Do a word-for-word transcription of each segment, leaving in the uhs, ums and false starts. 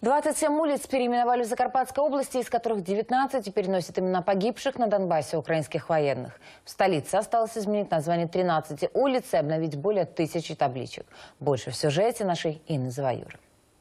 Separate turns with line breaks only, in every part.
двадцать семь улиц переименовали в Закарпатской области, из которых девятнадцать теперь носят имена погибших на Донбассе украинских военных. В столице осталось изменить название тринадцати улиц и обновить более тысячи табличек. Больше в сюжете нашей Інни Заваюри.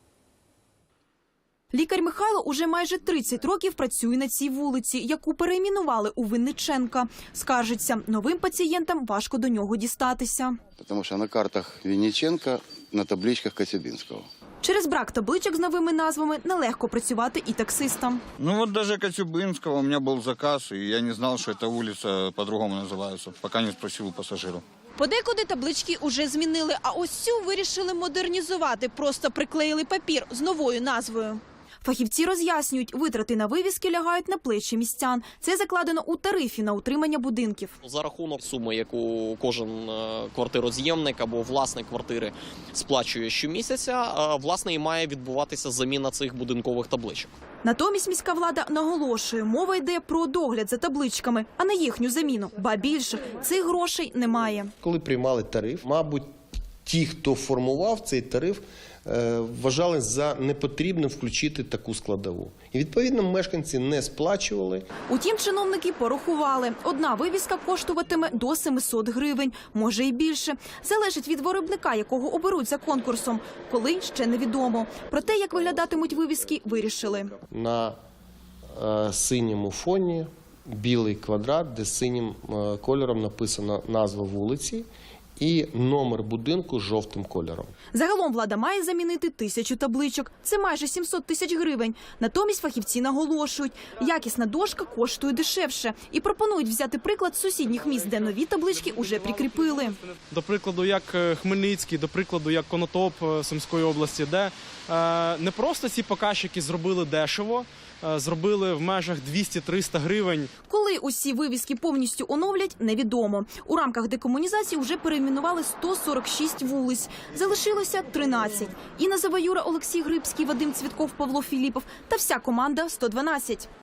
Лікар Михайло уже майже тридцять років працює на цій вулиці, яку перейменували у Винниченка. Скаржиться, новим пацієнтам важко до нього дістатися.
Тому що на картах Винниченка, на табличках Коцюбинського.
Через брак табличок з новими назвами нелегко працювати і таксистам.
Ну вот даже Коцюбинского у меня был заказ, и я не знал, что эта улица по-другому называется, пока не спросил у пассажиров.
Подекуди таблички уже змінили, а ось цю вирішили модернізувати. Просто приклеїли папір з новою назвою. Фахівці роз'яснюють, витрати на вивіски лягають на плечі містян. Це закладено у тарифі на утримання будинків.
За рахунок суми, яку кожен квартироз'ємник або власник квартири сплачує щомісяця, власне, і має відбуватися заміна цих будинкових табличок.
Натомість міська влада наголошує, мова йде про догляд за табличками, а не їхню заміну. Ба більше, цих грошей немає.
Коли приймали тариф, мабуть, ті, хто формував цей тариф, вважали за непотрібним включити таку складову. І, відповідно, мешканці не сплачували.
Утім, чиновники порахували. Одна вивіска коштуватиме до семисот гривень, може і більше. Залежить від виробника, якого оберуть за конкурсом. Коли – ще невідомо. Про те, як виглядатимуть вивіски, вирішили.
На е, синьому фоні білий квадрат, де синім е, кольором написана назва вулиці і номер будинку жовтим кольором.
Загалом влада має замінити тисячу табличок. Це майже сімсот тисяч гривень. Натомість фахівці наголошують, якісна дошка коштує дешевше. І пропонують взяти приклад з сусідніх міст, де нові таблички уже прикріпили.
До прикладу, як Хмельницький, до прикладу, як Конотоп Сумської області, де е, не просто ці показчики зробили дешево, е, зробили в межах двісті-триста гривень.
Коли усі вивіски повністю оновлять, невідомо. У рамках декомунізації вже перейменували сто сорок шість вулиць. Залишилося тринадцять. Інна Заваюра, Олексій Грибський, Вадим Цвітков, Павло Філіпов та вся команда сто дванадцять.